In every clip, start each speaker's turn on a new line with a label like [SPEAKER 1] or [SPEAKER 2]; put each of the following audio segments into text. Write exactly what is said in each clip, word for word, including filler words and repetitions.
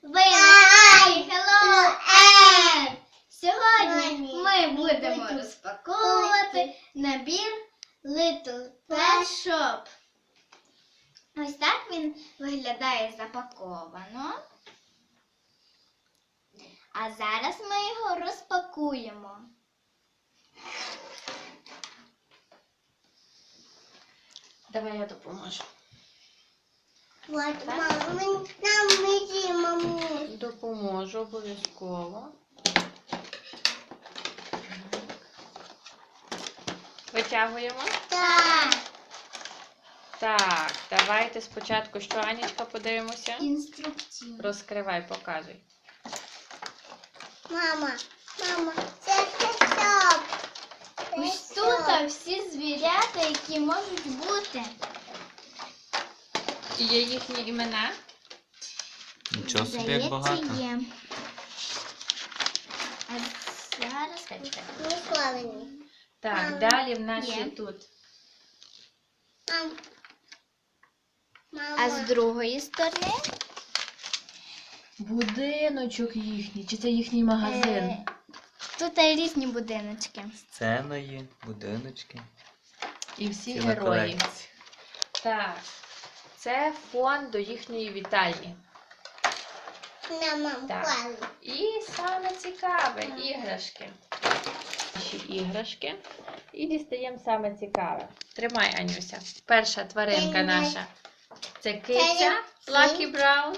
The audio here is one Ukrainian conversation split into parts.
[SPEAKER 1] Ви на Hello Air! Сьогодні ми будемо розпаковувати набір Little Pet Shop. Ось так він виглядає запаковано. А зараз ми його розпакуємо.
[SPEAKER 2] Давай я допоможу.
[SPEAKER 1] Вот, мама, нам вези, маму.
[SPEAKER 2] Допоможу обов'язково. Витягуємо.
[SPEAKER 1] Так.
[SPEAKER 2] Так, давайте спочатку, що, Анічка, подивимося.
[SPEAKER 1] Інструкцію.
[SPEAKER 2] Розкривай, показуй.
[SPEAKER 1] Мама, мама, це песок. Ось тут всі звірята, які можуть бути.
[SPEAKER 2] І є їхні імена.
[SPEAKER 3] Нічого собі, як багато.
[SPEAKER 1] Є. А зараз
[SPEAKER 2] Чекай.
[SPEAKER 1] Мисловені.
[SPEAKER 2] Так,
[SPEAKER 1] Мама,
[SPEAKER 2] далі в нас
[SPEAKER 1] є.
[SPEAKER 2] є тут.
[SPEAKER 1] Мам. А з другої сторони
[SPEAKER 2] Будиночок їхній. Чи це їхній магазин?
[SPEAKER 1] е, тут різні будиночки.
[SPEAKER 3] Сценою, будиночки.
[SPEAKER 2] І всі
[SPEAKER 3] Ціла
[SPEAKER 2] герої.
[SPEAKER 3] колекція.
[SPEAKER 2] Так, це фон до їхньої вітальні.
[SPEAKER 1] На мам,
[SPEAKER 2] Так. І саме цікаве – іграшки. Наші іграшки. І дістаємо саме цікаве. Тримай, Анюся. Перша тваринка
[SPEAKER 1] Тримай.
[SPEAKER 2] наша. Це киця
[SPEAKER 1] Це
[SPEAKER 2] Лакі Браун.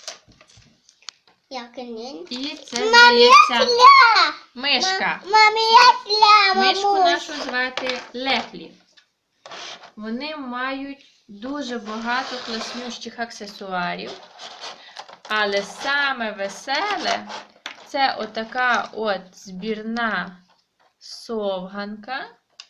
[SPEAKER 1] Як він?
[SPEAKER 2] І це, здається,
[SPEAKER 1] Ля!
[SPEAKER 2] мишка.
[SPEAKER 1] Мамі, я ля,
[SPEAKER 2] Мишку
[SPEAKER 1] мамусь.
[SPEAKER 2] нашу звати Лефлі. Вони мають дуже багато класнющих аксесуарів. Але саме веселе – це отака от збірна совганка.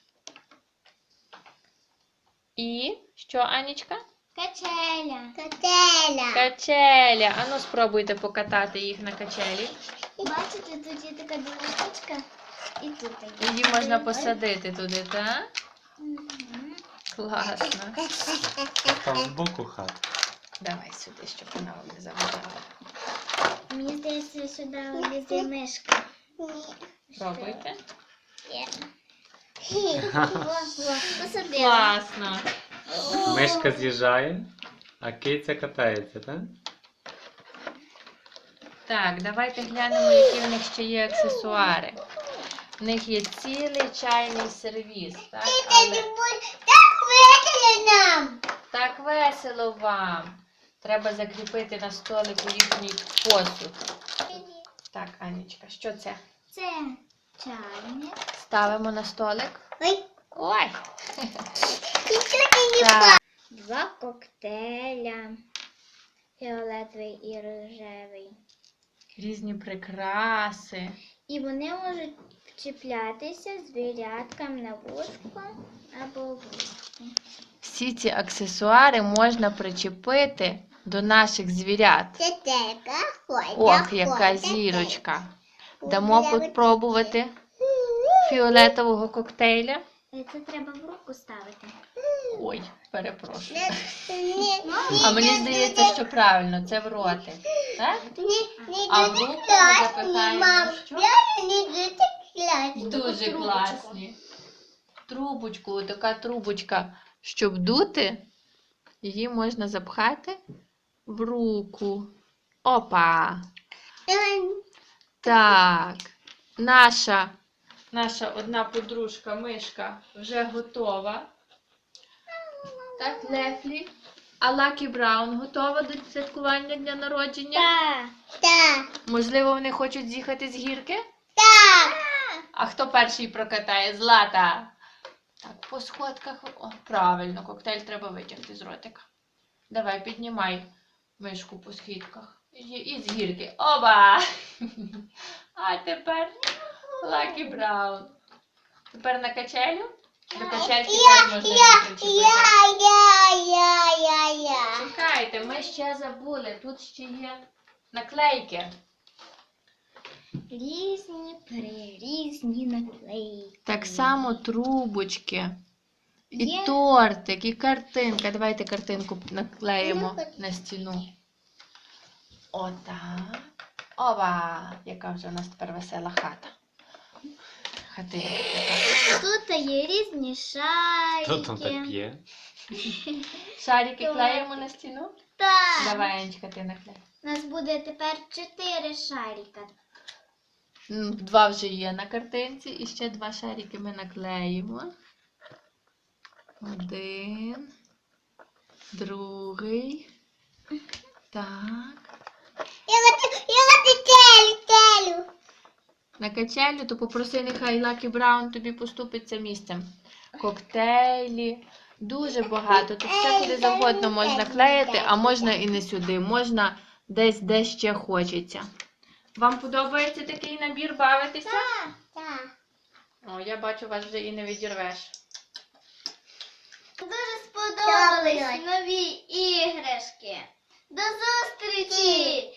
[SPEAKER 2] І що, Анічка?
[SPEAKER 1] Качеля. Качеля.
[SPEAKER 2] Качеля. Ану, спробуйте покатати їх на качелі.
[SPEAKER 1] Бачите, тут є така дорожечка і тут є.
[SPEAKER 2] Її можна посадити туди, так?
[SPEAKER 1] Мгм.
[SPEAKER 2] Класно.
[SPEAKER 3] Там збоку хат.
[SPEAKER 2] Давай сюди, щоб вона вам не заважала.
[SPEAKER 1] Мені здається, сюди влізе мишка.
[SPEAKER 2] Пробуйте.
[SPEAKER 1] Є. Во, во, посадила.
[SPEAKER 2] Класно.
[SPEAKER 3] Мишка з'їжджає, а киця катається, так?
[SPEAKER 2] Так, давайте глянемо, які в них ще є аксесуари. В них є цілий чайний сервіс. Так, але
[SPEAKER 1] Так весело нам.
[SPEAKER 2] так весело вам. Треба закріпити на столику їхній посуд. Так, Анічка, що це?
[SPEAKER 1] Це чайник.
[SPEAKER 2] Ставимо на столик.
[SPEAKER 1] Ой,
[SPEAKER 2] Ой!
[SPEAKER 1] нічого не
[SPEAKER 2] Так.
[SPEAKER 1] Два коктейля. Фіолетовий і рожевий.
[SPEAKER 2] Різні прикраси.
[SPEAKER 1] І вони можуть вчіплятися звіряткам на вушко або вушку.
[SPEAKER 2] Всі ці аксесуари можна причепити до наших звірят.
[SPEAKER 1] Це така ходя.
[SPEAKER 2] Ох, яка зірочка. Дамо попробувати фіолетового коктейля.
[SPEAKER 1] Це треба в руку ставити.
[SPEAKER 2] Ой, перепрошую.
[SPEAKER 1] Ні,
[SPEAKER 2] А мені здається, що правильно, це в ротик. Так? А в руку ми запихаємо що? Дуже класні. Трубочку, така трубочка. Щоб дути, її можна запхати в руку. Опа! Так, наша, наша одна подружка, мишка, вже готова. Так, Лефлі. А Лакі Браун готова до святкування дня народження?
[SPEAKER 1] Так. Так.
[SPEAKER 2] Можливо, вони хочуть з'їхати з гірки?
[SPEAKER 1] Так.
[SPEAKER 2] А хто перший прокатає? Злата. Так, по сходках. О, правильно, коктейль треба витягти з ротика. Давай, піднімай мишку по східках. І, і з гірки. Оба! А тепер Лакі Браун. Тепер на качелю? До качельки теж можна її причепити.
[SPEAKER 1] Я, я, я, я.
[SPEAKER 2] Чекайте, ми ще забули. Тут ще є наклейки.
[SPEAKER 1] Різні, прирізні наклейки.
[SPEAKER 2] Так само трубочки. І
[SPEAKER 1] Є.
[SPEAKER 2] тортик, і картинка. Давайте картинку наклеїмо
[SPEAKER 1] Ну, хоч-
[SPEAKER 2] на стіну. Отак. Ова! Яка вже у нас тепер весела хата. Хатинка така.
[SPEAKER 1] Тут є різні шарики.
[SPEAKER 3] Хто там так п'є?
[SPEAKER 2] Шарики клеїмо на стіну?
[SPEAKER 1] Так.
[SPEAKER 2] Давай, Анечка, ти наклей.
[SPEAKER 1] У нас буде тепер чотири шарика.
[SPEAKER 2] М, Два вже є на картинці, і ще два шарики ми наклеїмо. Один, другий. Так.
[SPEAKER 1] Я хочу телю, телю.
[SPEAKER 2] На качелю, то попроси, нехай Lucky Brown тобі поступиться місцем. Коктейлі, дуже багато. Тут все куди завгодно можна клеїти, а можна і не сюди. Можна десь, де ще хочеться. Вам подобається такий набір бавитися?
[SPEAKER 1] Так.
[SPEAKER 2] О, я бачу, вас вже і не відірвеш.
[SPEAKER 1] Дуже сподобались нові іграшки. До зустрічі!